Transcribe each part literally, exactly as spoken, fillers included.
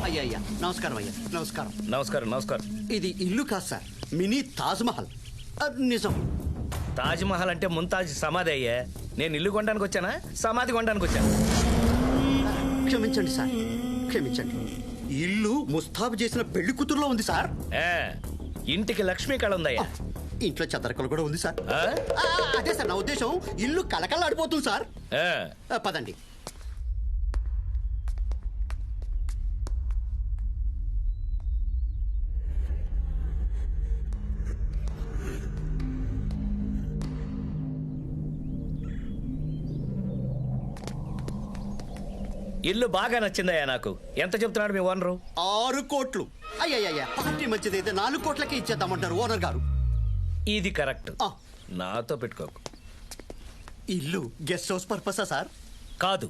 అయ్యా అయ్యా నమస్కారం అయ్యా నమస్కారం నమస్కారం నమస్కారం. ఇది ఇల్లు కాదు సార్, మినీ తాజ్ మహల్. అది నిజం. తాజ్ మహల్ అంటే ముంతాజ్ సమాధి అయ్యే. నేను ఇల్లు కొనడానికి వచ్చానా సమాధి కొనడానికి వచ్చాను? క్షమించండి సార్, క్షమించండి. ఇల్లు ముస్తాబు చేసిన పెళ్లి కూతురులో ఉంది సార్. ఏ, ఇంటికి లక్ష్మీ కళ ఉందయ్యా. ఇంట్లో చదరకలు కూడా ఉంది సార్. ఆ? ఆ, అదే సార్ నా ఉద్దేశం. ఇల్లు కలకలాడిపోతుంది సార్. ఏ, ఆ, పదండి. ఇల్లు బాగా నచ్చిందయ్యా నాకు. ఎంత చెప్తున్నాడు మీ ఓనరు? ఆరు కోట్లు. అయ్యయ్యా, పార్టీ మంచిదైతే నాలుగు కోట్లకే ఇచ్చేద్దామంటారు ఓనర్ గారు. ఇది కరెక్ట్. ఆ. నాతో పెట్టుకోకు. ఇల్లు గెస్ట్ హౌస్ పర్పసా సార్? కాదు,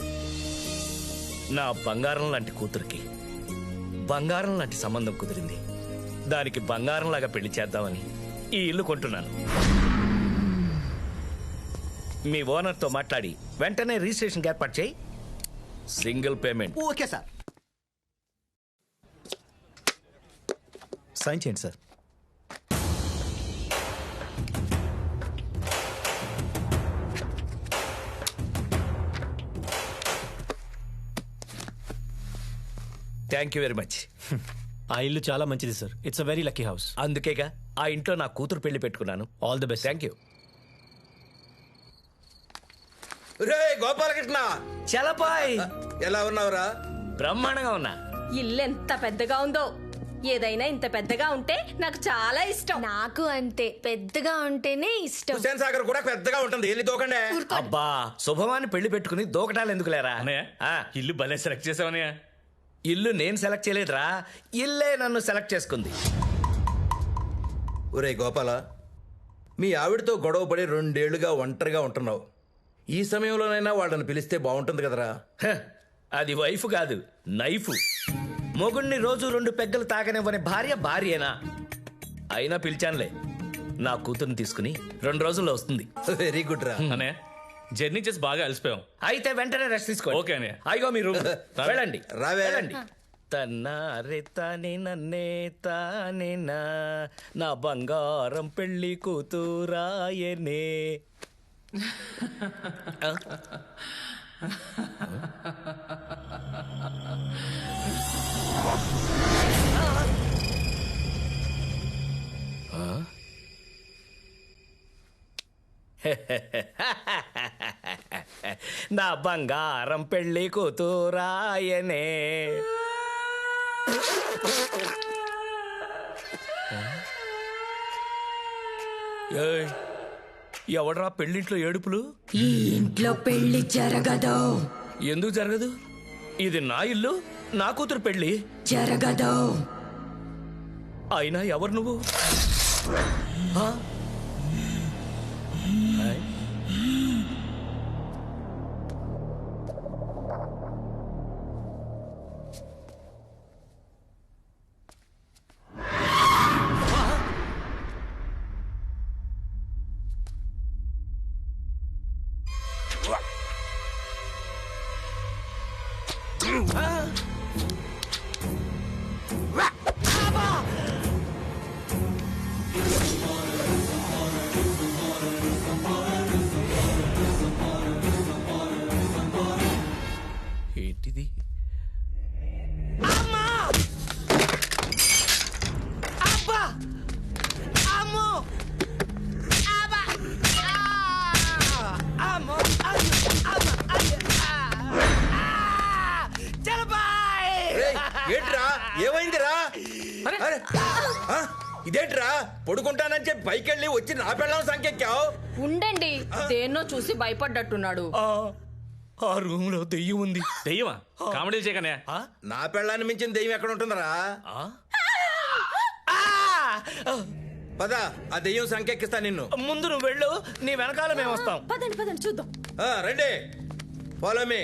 నా బంగారం లాంటి కూతురికి బంగారం లాంటి సంబంధం కుదిరింది. దానికి బంగారం లాగా పెళ్లి చేద్దామని ఈ ఇల్లు కొంటున్నాను. మీ ఓనర్తో మాట్లాడి వెంటనే రిజిస్ట్రేషన్ ఏర్పాటు చేయి. Single payment. Okay sir. Sign చేయండి sir. Thank you very much. ఆ ఇల్లు చాలా మంచిది sir. It's a very lucky house. అందుకేగా ఆ ఇంట్లో నా కూతురు పెళ్లి పెట్టుకున్నాను. All the best. Thank you. రే గోపాలకృష్ణ, చలపాయ్, ఎలా ఉన్నావురా? బ్రహ్మాండంగా ఉన్నా. ఇల్లు ఎంత పెద్దగా ఉందో. ఏదైనా ఇంత పెద్దగా ఉంటే నాకు చాలా ఇష్టం. నాకు అంతే, పెద్దగా ఉంటేనే ఇష్టం. హుసేన్ సాగర్ కూడా పెద్దగా ఉంటుంది. వెళ్ళి దూకండి. అబ్బా, శుభమాని పెళ్లి పెట్టుకుని దూకటాలు ఎందుకు లేరా? ఆ, ఇల్లు భలే సెలెక్ట్ చేసావనయ్య. ఇల్లు నేను సెలెక్ట్ చేయలేదురా, ఇల్లే నన్ను సెలెక్ట్ చేసుకుంది. ఒరే గోపాల, మీ ఆవిడతో గొడవ పడి రెండేళ్లుగా ఒంటరిగా ఉంటున్నావు. ఈ సమయంలోనైనా వాళ్ళని పిలిస్తే బాగుంటుంది కదరా. హ, అది వైఫ్ కాదు, నైఫ్. మొగుణ్ణి రోజు రెండు పెగ్గలు తాగనివ్వని భార్య భార్యేనా? అయినా పిలిచానులే. నా కూతుర్ని తీసుకుని రెండు రోజుల్లో వస్తుంది. వెరీ గుడ్ రా. అన్నయ్య, జర్నీ చేసి బాగా అలసిపోయాం. అయితే వెంటనే రెస్ట్ తీసుకోండి. ఓకే అన్నయ్య. అయ్యో మీరు వెళ్ళండి. రావే. వెళ్ళండి. తన్నారే తానే నన్నే తానే నా నా బంగారం పెళ్లి కూతురాయనే. ఆ? నా బంగారం పెళ్లి కూతురాయనే. ఏయ్, ఎవడ్రా పెళ్లింట్లో ఏడుపులు? ఈ ఇంట్లో పెళ్లి జరగదు. ఎందుకు జరగదు? ఇది నా ఇల్లు, నా కూతురు పెళ్లి. జరగదు. అయినా ఎవరు నువ్వు? ఆ? ఆయ్. ఏంటిది? అమ్మా! అబ్బా! అమ్మో! అబ్బా! ఆ! అమ్మో! అయ్యో! అమ్మ! అయ్యో! ఆ! చలపాయ్! రేయ్, ఏంట్రా ఏమైందిరా? అరే, ఆ, ఇదేంట్రా పడుకుంటానని చెప్పి పైకెళ్ళి వచ్చి నా పెళ్ళం సంకెక్కావు. ఉండండి, దేన్నో చూసి భయపడ్డట్టున్నాడు. ఆ, ఆ రూమ్ లో దెయ్యం ఉంది. దెయ్యమా? కామెడీలు చేయకనే. ఆ? నా పెళ్ళాన్ని మించిన దెయ్యం ఎక్కడ ఉంటుందిరా? ఆ? ఆ! పద, ఆ దెయ్యం సంకెక్కిస్తా నిన్ను. ముందు నువ్వు వెళ్ళు, నీ వెనకాల మేము వస్తాం. పదండి పదండి చూద్దాం. ఆ, రండి, ఫాలో మీ.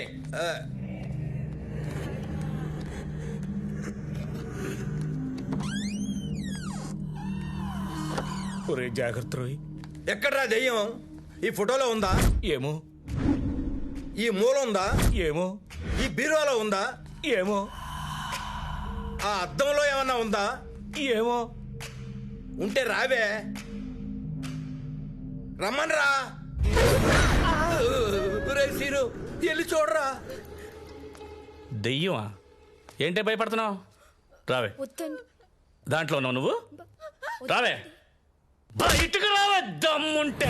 ఒరే జాగ్రత్త రోయ్. ఎక్కడ్రా దెయ్యం? ఈ ఫోటోలో ఉందా? ఏమో ఈ మూల ఉందా? ఏమో ఈ బీరువాలో ఉందా? ఏమో ఆ అద్దంలో ఏమన్నా ఉందా? ఏమో. ఉంటే రావే, రమ్మని రా. సీరు వెళ్ళి చూడరా. దెయ్యమా? ఏంటే భయపడుతున్నావు? రావే. వద్దండి. దాంట్లో ఉన్నావు నువ్వు. రావే, బయటకు రావే దమ్ముంటే.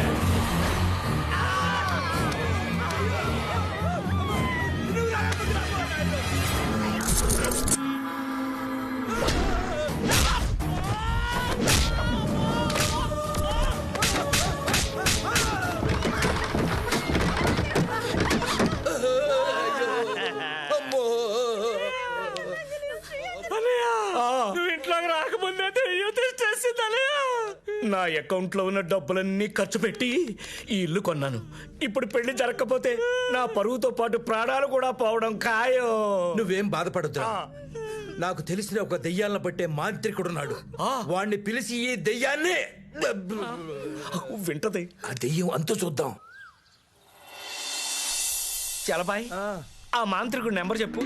నువ్వు ఇంట్లోకి రాకముందే దెయ్యం తెచ్చేసిందలే. నా అకౌంట్ లో ఉన్న డబ్బులన్నీ ఖర్చు పెట్టి ఈ ఇల్లు కొన్నాను. ఇప్పుడు పెళ్లి జరగకపోతే నా పరువుతో పాటు ప్రాణాలు కూడా పోవడం ఖాయం. నువ్వేం బాధపడద్దు. నాకు తెలిసిన ఒక దెయ్యాలను పట్టే మాంత్రికుడున్నాడు. వాణ్ణి పిలిచి ఈ దెయ్యాన్ని వింటది. ఆ దెయ్యం అంతా చూద్దాం. చలబాయ్, ఆ మాంత్రికుడి నెంబర్ చెప్పు.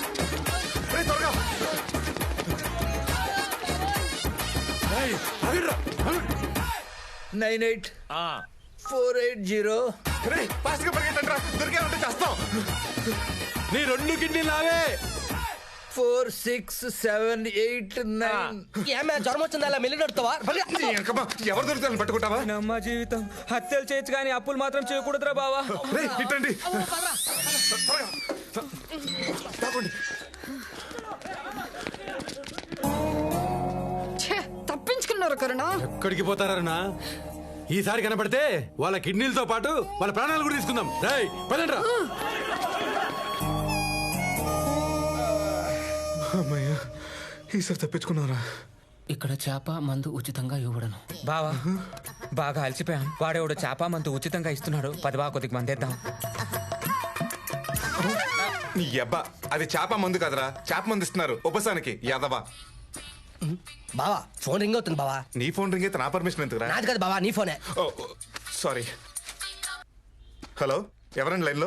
Nine eight four eight zero. నీ రెండు కిడ్నీ లావే. Four six seven eight nine. ఏమే జ్వరం వచ్చిందా అలా మెల్లి నడుతావా? ఎవరు దొరుకుతారని పట్టుకుంటావా? నమ్మ జీవితం హత్యలు చేయొచ్చు కానీ అప్పులు మాత్రం చేయకూడదురా బావా. ఇట్టండి. తప్పించుకున్నారు కరుణ. ఎక్కడికి పోతారన్నా? ఈసారి కనపడితే వాళ్ళ కిడ్నీలతో పాటు వాళ్ళ ప్రాణాలు కూడా తీసుకుందాం. రేయ్ పదండ్రా. అమ్మయ్యా, ఈసారి తప్పించుకున్నారా? ఇక్కడ చేప మందు ఉచితంగా ఇవ్వడను. బావా బాగా అలసిపోయాం. వాడేవాడు చేప మందు ఉచితంగా ఇస్తున్నాడు. పది బాగా కొద్దిగా మందేద్దాం. నీ అబ్బా, అది చేప మందు కదరా. చేప మందు ఇస్తున్నారు ఉపసానికి యాదవా. బావా ఫోన్ రింగ్ అవుతుంది బావా. నీ ఫోన్ రింగ్ అయితే నా పర్మిషన్ ఎందుకురా? నాది కదా బావా, నీ ఫోనే. సారీ. హలో, ఎవరండి లైన్లో?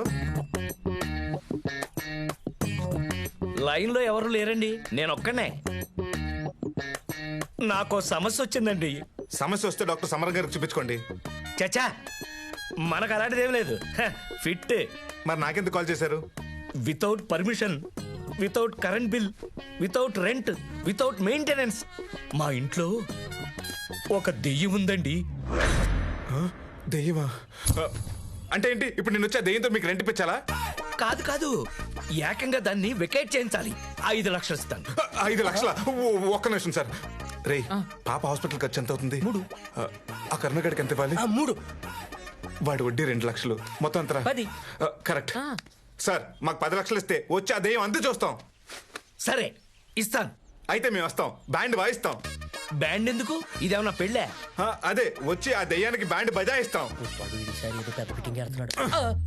లైన్ లో ఎవరు లేరండి, నేను ఒక్కనే. నాకు సమస్య వచ్చిందండి. సమస్య వస్తే డాక్టర్ సమరం గారికి చూపించుకోండి. చచ్చా, మనకు అలాంటిది ఏం లేదు. హ, ఫిట్. మరి నాకెందుకు కాల్ చేశారు? Without permission, without current bill, without rent, without maintenance మా ఇంట్లో ఒక దెయ్యం ఉందండి. దెయ్యమా? అంటే ఏంటి? ఇప్పుడు నేను వచ్చే దెయ్యంతో మీకు రెంట్ ఇప్పించాలా? కాదు కాదు, ఏకంగా దాన్ని వెకేట్ చేయించాలి. ఐదు లక్షలు ఇస్తాను. ఐదు లక్షల? ఒక్క నిమిషం సార్. రే, పాప హాస్పిటల్ ఖర్చు ఎంత అవుతుంది? మూడు. ఆ కర్ణగడికి ఎంత ఇవ్వాలి? మూడు. వాడి వడ్డీ రెండు లక్షలు, మొత్తం ఎంత? పది. Correct sir. మాకు పది లక్షలు ఇస్తే వచ్చి ఆ దెయ్యం అంతే చూస్తాం. సరే ఇస్తాను. అయితే మేము వస్తాం, బ్యాండ్ వాయిస్తాం. బ్యాండ్ ఎందుకు? ఇదేమన్నా పెళ్ళే? ఆ, అదే వచ్చి ఆ దెయ్యానికి బ్యాండ్ బజాయిస్తాం. పెద్ద ఫిట్టింగ్